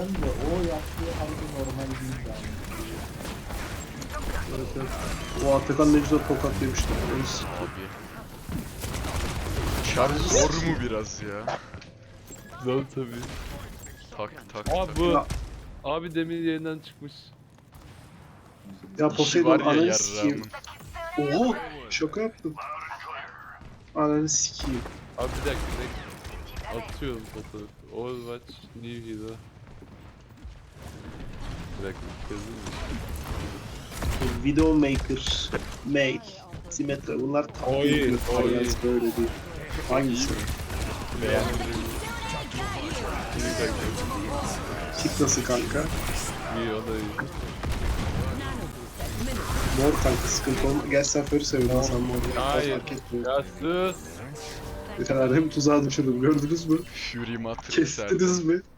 göreceğim de o yaptığı harbi normal değil yani. Evet, evet. O Atakan ne güzel tokat yemişti. Abi. Şarj zor mu biraz ya? Zor tabii. Tak tak Aa tak. bu. Ya, Abi demin yerinden çıkmış. ya İşi Poseidon var ya ananı sikeyim. yarrağımın. Oha! Şaka yaptım. Ananı sikeyim. Abi bir dakika. Atıyorum fotoğrafı. Overwatch New Hero. Bir dakika. Yazayım mı? Videomaker, Make, Symmetra bunlar tatlı Oy, bir oy. tarzı böyle değil. Hangisi? Beğendim. Bir dakika. Kit nasıl kanka? İyi o da iyi. Mor kanka sıkıntı olma. Gel sen Furry seviyorsun sen mor. Hayır. Fark etmiyor. Ya sus. Bir tane hem tuzağa düşürdüm gördünüz mü? Fury Matrix Kestiniz mi?